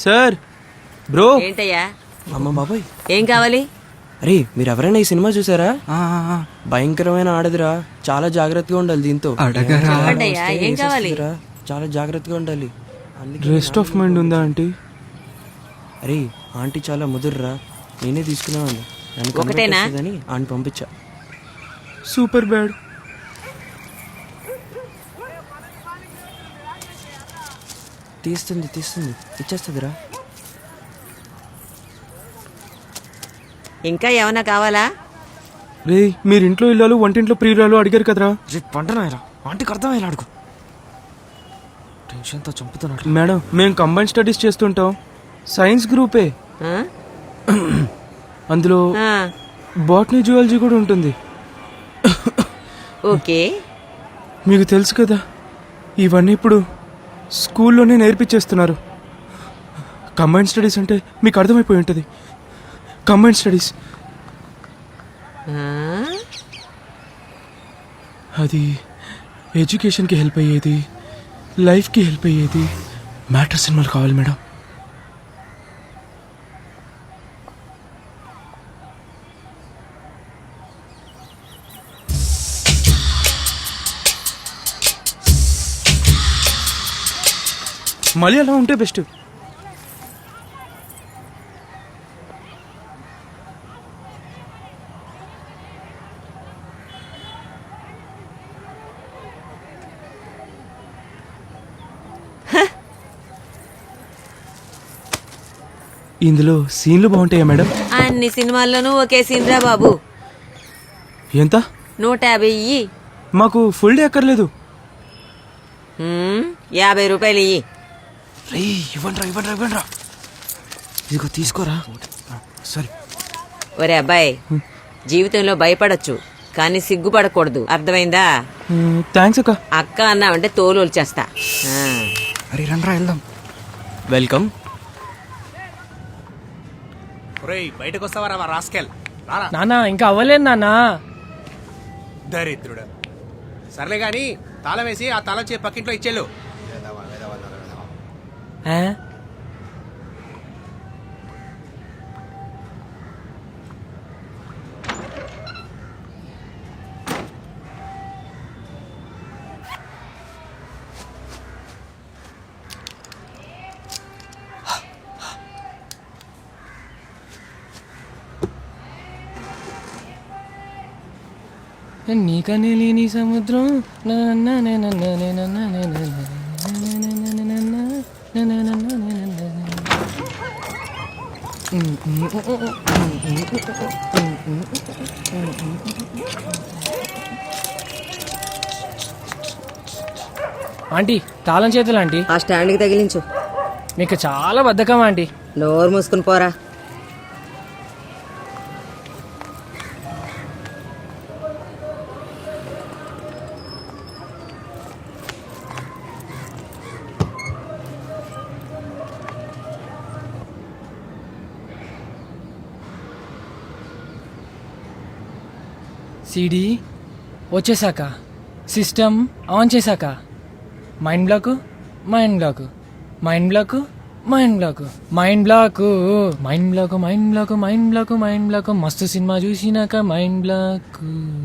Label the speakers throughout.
Speaker 1: Sir bro.
Speaker 2: ఏంటయ్యా?
Speaker 1: అమ్మ బాబాయ్,
Speaker 2: ఏం కావాలి?
Speaker 1: అరే మీరు ఎవరైనా ఈ సినిమా చూసారా? భయంకరమైన ఆడదురా, చాలా జాగ్రత్తగా ఉండాలి దీంతో.
Speaker 2: చెప్పండి అయ్యా, ఏం కావాలి?
Speaker 1: చాలా జాగ్రత్తగా ఉండాలి.
Speaker 3: రెస్ట్ ఆఫ్ మైండ్ ఉందా ఆంటీ?
Speaker 1: అరే ఆంటీ చాలా ముదురురా, నేనే తీసుకున్నాను.
Speaker 2: ఒకటేనా?
Speaker 1: ఆంటీ పంపించా.
Speaker 3: Super bad.
Speaker 1: తీస్తుంది ఇచ్చేస్తుందిరా.
Speaker 2: ఇంకా ఏమన్నా కావాలా?
Speaker 3: రే మీరు ఇంట్లో ఇల్లాలు వంటింట్లో ప్రియురాలు అడిగారు కదరా.
Speaker 1: పంటనాయరా ఆంటీకి అర్థమయ్యేలా అడుగు. టెన్షన్తో చంపుతున్నాడు.
Speaker 3: మేడం మేము కంబైన్ స్టడీస్ చేస్తుంటాం, సైన్స్ గ్రూపే.
Speaker 2: ఆ?
Speaker 3: అందులో
Speaker 2: ఆ,
Speaker 3: బాటనీ జువాలజీ కూడా ఉంటుంది.
Speaker 2: ఓకే.
Speaker 3: మీకు తెలుసు కదా, ఇవన్నీ ఇప్పుడు స్కూల్లోనే నేర్పించేస్తున్నారు. కంబైన్ స్టడీస్ అంటే మీకు అర్థమైపోయి ఉంటుంది. కంబైన్ స్టడీస్
Speaker 2: ఆ?
Speaker 3: అది ఎడ్యుకేషన్కి హెల్ప్ అయ్యేది, లైఫ్కి హెల్ప్ అయ్యేది. మ్యాటర్ సినిమాలు కావాలి మేడం. మళ్ళీ అలా ఉంటే బెస్ట్. ఇందులో సీన్లు బాగుంటాయా మేడం?
Speaker 2: అన్ని సినిమాల్లోనూ ఒకే సీన్ రా బాబు.
Speaker 3: ఎంత?
Speaker 2: 150 ఇయ్యి.
Speaker 3: మాకు ఫుల్ డే అక్కర్లేదు.
Speaker 2: 50 రూపాయలు ఇయ్యి.
Speaker 1: ఇవ్వండిరా. ఇదిగో తీసుకోరా. సరే.
Speaker 2: ఒరే అబ్బాయి, జీవితంలో భయపడొచ్చు కానీ సిగ్గుపడకూడదు, అర్థమైందా?
Speaker 3: థ్యాంక్స్ అక్క.
Speaker 2: అక్క అన్నావంటే తోలు వచ్చేస్తా.
Speaker 1: అరే రండ్రా వెళ్దాం. వెల్కమ్.
Speaker 4: బయటకు వస్తావరా రాస్కెల్?
Speaker 5: నానా ఇంకా అవ్వలేదు నానా.
Speaker 4: దరిద్రుడు. సర్లే గాని తాళం వేసి ఆ తాళం చేసి పక్కింట్లో ఇచ్చేళ్ళు.
Speaker 5: నీకనే లేని సముద్రం. ఆంటీ తాళం చేతులు ఆంటీ.
Speaker 2: ఆ స్టాండ్కి తగిలించు.
Speaker 5: మీకు చాలా బద్ధకం ఆంటీ.
Speaker 2: నోరు మూసుకుని పోరా.
Speaker 5: సిడి వచ్చేసాక, సిస్టమ్ ఆన్ చేశాక, mind block mind block mind block mind block mind block mind block mind block mind block mind block. మస్తు సినిమా చూసినాక మైండ్ బ్లాక్.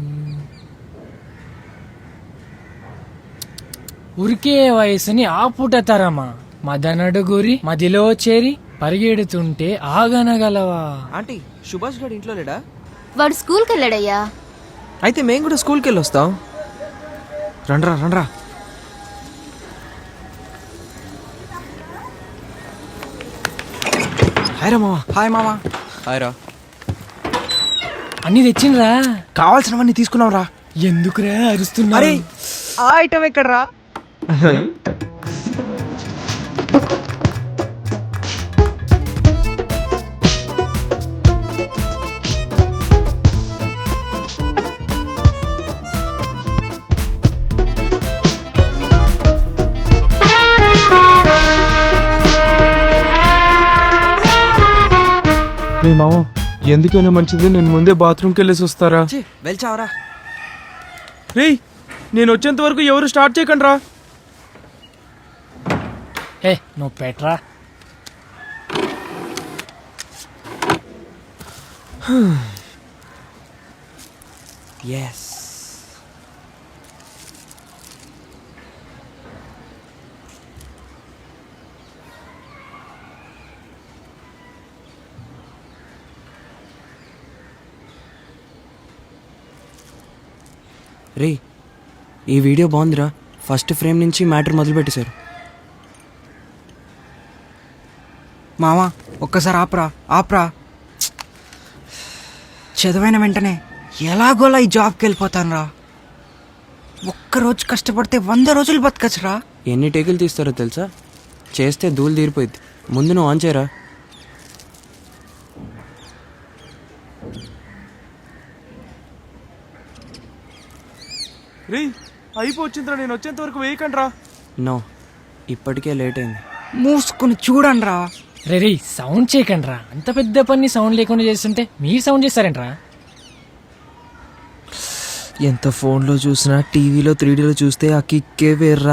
Speaker 5: ఉరికే వయసుని ఆపుట తరమా, మదనడు గురి మదిలో చేరి పరిగెడుతుంటే ఆగనగలవా.
Speaker 1: ఆంటీ సుభాష్ గారు ఇంట్లో లేడా?
Speaker 6: వాడు స్కూల్కి వెళ్ళాడయ్యా.
Speaker 1: అయితే మేము కూడా స్కూల్కి వెళ్ళి వస్తాం. రండ్రా. హాయ్ రా మావా.
Speaker 3: హాయ్ మామా.
Speaker 1: హాయ్ రా.
Speaker 5: అన్ని తెచ్చిండ్రా?
Speaker 3: కావాల్సినవన్నీ తీసుకున్నాం రా.
Speaker 5: ఎందుకురా అరుస్తున్నా?
Speaker 1: అరే ఆ ఐటమ్ ఎక్కడ్రా?
Speaker 3: రే మామ, ఎందుకైనా మంచిది నేను ముందే బాత్రూమ్కి వెళ్ళేసి వస్తారా?
Speaker 1: వెళ్చావరా.
Speaker 3: రే నేను వచ్చేంత వరకు ఎవరు స్టార్ట్ చేయకండి రా.
Speaker 5: ఏ నువ్వు పెట్రా.
Speaker 1: ఎస్. రే, ఈ వీడియో బాగుందిరా. ఫస్ట్ ఫ్రేమ్ నుంచి మ్యాటర్ మొదలు పెట్టేశారు.
Speaker 7: మావా ఒక్కసారి ఆపరా ఆపరా. చదివైన వెంటనే ఎలాగోలా ఈ జాబ్కి వెళ్ళిపోతాను రా. ఒక్కరోజు కష్టపడితే 100 రోజులు బతకచ్చురా.
Speaker 1: ఎన్ని టేకులు తీస్తారో తెలుసా? చేస్తే ధూళి తీరిపోయింది. ముందు నువ్వు ఆన్ చేయరా.
Speaker 3: రే అయిపోవచ్చిందిరా, నేను వచ్చేంత వరకు వేయకండి రా.
Speaker 1: నో, ఇప్పటికే లేట్ అయింది.
Speaker 7: మూసుకుని చూడండి రా.
Speaker 5: రే సౌండ్ చేయకండి రా. అంత పెద్ద పని సౌండ్ లేకుండా చేస్తుంటే మీరు సౌండ్ చేస్తారేంట్రా?
Speaker 8: ఎంత ఫోన్లో చూసినా టీవీలో 3Dలో చూస్తే ఆ కిక్కే వేర్రా.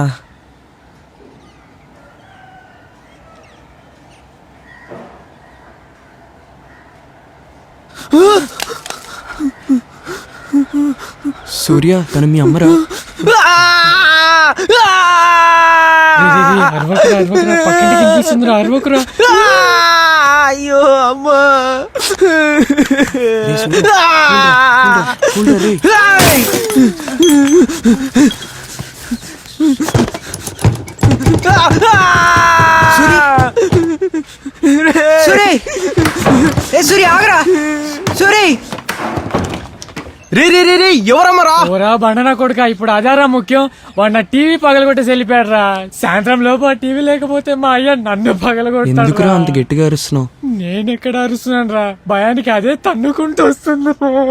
Speaker 1: సూర్య, తను మీ అమ్మరా?
Speaker 5: అరవకురా అరవకురా, పక్కింటికి వినిపిస్తుందిరా, అరవకురా.
Speaker 8: అయ్యో అమ్మా.
Speaker 1: రే సూర్య, కూల్రా రే.
Speaker 7: సూరి ఏ సూరి ఆగరా. సూరి
Speaker 3: రే రే రే రే ఎవరమ్మరా?
Speaker 5: ఓరా బండనా కొడుక, ఇప్పుడు అదారా ముఖ్యం. వాడు నా టీవీ పగలగొట్టేసి వెళ్ళిపోయాడు రా. సాయంత్రం లోపు ఆ టీవీ లేకపోతే మా అయ్య నన్ను పగలగొట్టాడు.
Speaker 1: ఎందుకురా అంత గట్టిగా అరుస్తున్నావు?
Speaker 5: నేను ఎక్కడ అరుస్తున్నాను రా, భయానికి అదే తన్నుకుంటూ వస్తుంది.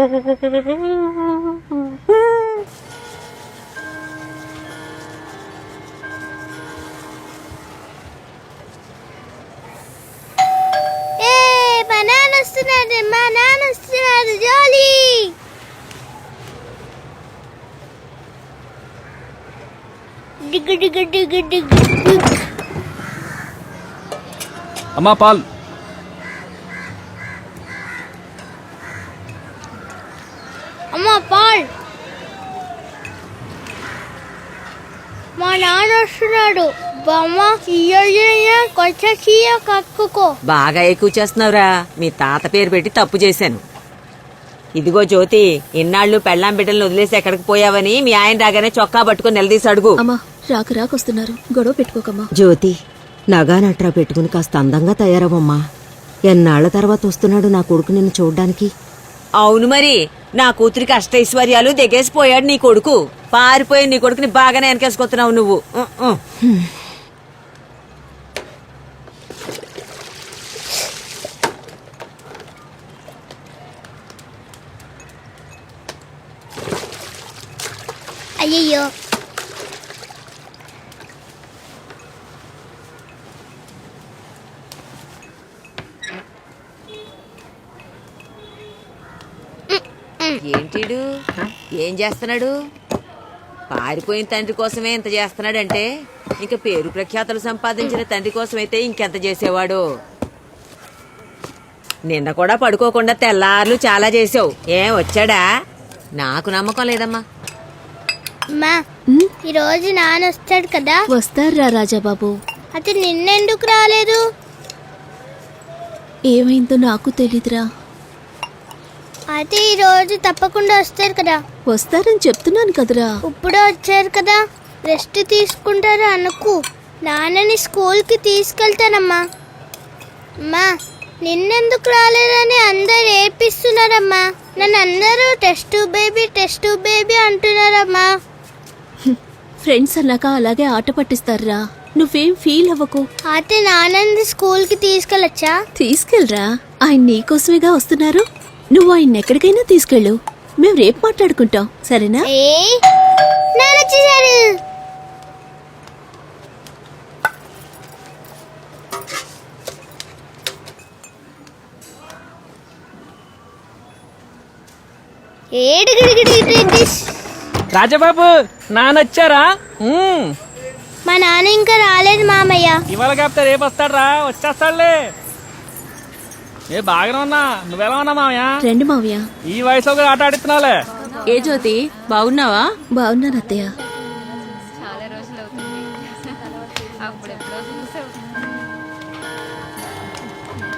Speaker 6: మా నాన్న వస్తున్నాడు, మా నాన్న వస్తున్నాడు, జోలీ. డిగ్గు డిగ్గు డిగ్గు డిగ్గు.
Speaker 3: అమ్మా పాల్.
Speaker 6: అమ్మ పాల్, మా నాన్న వస్తున్నాడు. బొమ్మ కొంచెం చీయ కక్కుకో.
Speaker 2: బాగా ఎక్కువ చేస్తున్నావురా. మీ తాత పేరు పెట్టి తప్పు చేశాను. ఇదిగో జ్యోతి, ఇన్నాళ్ళు పెళ్ళాం బిడ్డలను వదిలేసి ఎక్కడికి పోయావని మీ ఆయన రాగానే చొక్కా పట్టుకుని నిలదీసి అడుగు.
Speaker 9: అమ్మా రాకొస్తున్నారు, గొడవ పెట్టుకోకమ్మా.
Speaker 2: జ్యోతి, నగా నట్రా పెట్టుకుని కాస్త అందంగా తయారవమ్మా. ఎన్నాళ్ల తర్వాత వస్తున్నాడు నా కొడుకు నిన్ను చూడ్డానికి. అవును మరి, నా కూతురికి అష్టైశ్వర్యాలు దిగేసిపోయాడు నీ కొడుకు. పారిపోయి నీ కొడుకుని బాగానే వెనకేసుకొస్తున్నావు నువ్వు.
Speaker 6: అయ్యయ్యో,
Speaker 2: ఏంటిడు ఏం చేస్తున్నాడు? పారిపోయిన తండ్రి కోసమే ఇంత చేస్తున్నాడంటే ఇంక పేరు ప్రఖ్యాతలు సంపాదించిన తండ్రి కోసమైతే ఇంకెంత చేసేవాడు. నిన్న కూడా పడుకోకుండా తెల్లార్లు చాలా చేసావు. ఏం వచ్చాడా? నాకు నమ్మకం లేదమ్మా.
Speaker 6: అమ్మా, ఈరోజు నాన్న వస్తాడు కదా.
Speaker 9: వస్తారా రాజాబాబు?
Speaker 6: అది నిన్నెందుకు రాలేదు?
Speaker 9: ఏమైందో నాకు తెలీదురా.
Speaker 6: అయితే ఈరోజు తప్పకుండా వస్తారు కదా.
Speaker 9: వస్తారని చెప్తున్నాను కదరా.
Speaker 6: ఇప్పుడే వచ్చారు కదా, రెస్ట్ తీసుకుంటారా అనుకు. నాన్నని స్కూల్కి తీసుకెళ్తానమ్మా. అమ్మా, నిన్నెందుకు రాలేదని అందరు ఏపిస్తున్నారమ్మా. నన్ను అందరూ టెస్ట్ బేబీ అంటున్నారమ్మా.
Speaker 9: ఫ్రెండ్స్ అన్నాక అలాగే ఆట పట్టిస్తారా. నువ్వేం ఫీల్ అవ్వకు.
Speaker 6: అయితే నాన్నని స్కూల్కి తీసుకెళ్ళొచ్చా?
Speaker 9: తీసుకెళ్ళరా, ఆయన నీకోసమేగా వస్తున్నారు. నువ్వు ఆయన ఎక్కడికైనా తీసుకెళ్ళు. మేము రేపు మాట్లాడుకుంటాం, సరేనా?
Speaker 6: నాన్న వచ్చేసారు.
Speaker 5: రాజబాబు నానొచ్చారా?
Speaker 6: మా నాన్న ఇంకా రాలేదు మామయ్య.
Speaker 5: ఇవాళ కాపుతా రేపు వస్తాడ్రా, వచ్చేస్తాడులే. ఏ బాగానే ఉన్నా నువ్వెలా ఉన్నా మామయ్య
Speaker 9: రండి మావయ్య.
Speaker 5: ఈ వయసులో కూడా ఆట ఆడిస్తున్నావులే.
Speaker 2: ఏ జ్యోతి బాగున్నావా?
Speaker 9: బాగున్నాను అత్తయ్య.
Speaker 6: చాలా రోజులు అవుతుంది అప్పుడెప్పుడో చూసావు